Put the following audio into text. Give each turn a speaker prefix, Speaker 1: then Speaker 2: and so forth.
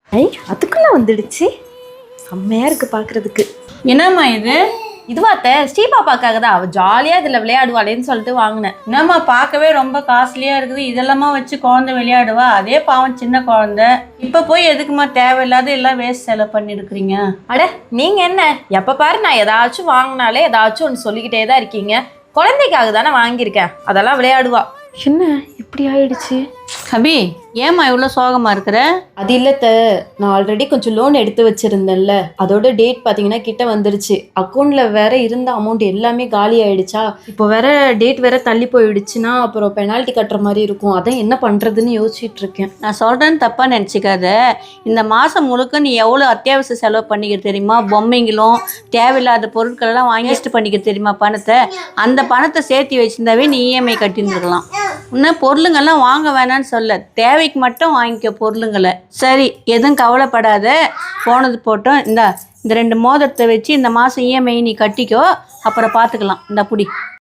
Speaker 1: ஐ அதுக்குள்ள வந்துடுச்சு. செம்மையா இருக்கு பாக்குறதுக்கு.
Speaker 2: என்னம்மா இது?
Speaker 1: இதுவாத்த ஸ்ரீபாப்பாக்காக தான். அவள் ஜாலியாக இதில் விளையாடுவாளேன்னு சொல்லிட்டு வாங்கினேன்.
Speaker 2: என்னம்மா பார்க்கவே ரொம்ப காஸ்ட்லியாக இருக்குது, இதெல்லாமா வச்சு குழந்தை விளையாடுவா? அதே பாவம் சின்ன குழந்தை. இப்போ போய் எதுக்குமா தேவையில்லாத எல்லாம் வேஸ்ட் செலவு பண்ணியிருக்கிறீங்க?
Speaker 1: அட நீங்கள் என்ன எப்போ பாரு நான் ஏதாச்சும் வாங்கினாலே ஏதாச்சும் ஒன்று சொல்லிக்கிட்டே தான் இருக்கீங்க. குழந்தைக்காக தானே வாங்கியிருக்கேன், அதெல்லாம் விளையாடுவா. என்ன இப்படி ஆயிடுச்சு?
Speaker 2: அபி, ஏம்மா இவ்வளோ சோகமாக இருக்கிற?
Speaker 1: அது இல்லத்த, நான் ஆல்ரெடி கொஞ்சம் லோன் எடுத்து வச்சிருந்தேன்ல, அதோட டேட் பார்த்தீங்கன்னா கிட்ட வந்துருச்சு. அக்கௌண்ட்ல வேற இருந்த அமௌண்ட் எல்லாமே காலி ஆயிடுச்சா. இப்போ வேற டேட் வேற தள்ளி போயிடுச்சுன்னா அப்புறம் பெனால்ட்டி கட்டுற மாதிரி இருக்கும். அதான் என்ன பண்றதுன்னு யோசிச்சுட்டு இருக்கேன்.
Speaker 2: நான் சொல்கிறேன்னு தப்பாக நினச்சிக்காத. இந்த மாதம் முழுக்க நீ எவ்வளோ அத்தியாவசிய செலவு பண்ணிக்க தெரியுமா? பொம்மைங்களும் தேவையில்லாத பொருட்களெல்லாம் வாங்கிட்டு பண்ணிக்க தெரியுமா பணத்தை? அந்த பணத்தை சேர்த்து வச்சிருந்தாவே நீ இஎம்ஐ கட்டியிருந்துருக்கலாம். இன்னும் பொருளுங்கள்லாம் வாங்க வேணான்னு சொல்ல, தேவைக்கு மட்டும் வாங்கிக்க பொருளுங்களை. சரி, எதுவும் கவலைப்படாத, போனது போட்டோம். இந்த 2 மோதிரத்தை வச்சு இந்த மாதம் இஎம்ஐ நீ கட்டிக்கோ, அப்புறம் பார்த்துக்கலாம். இந்த புடி.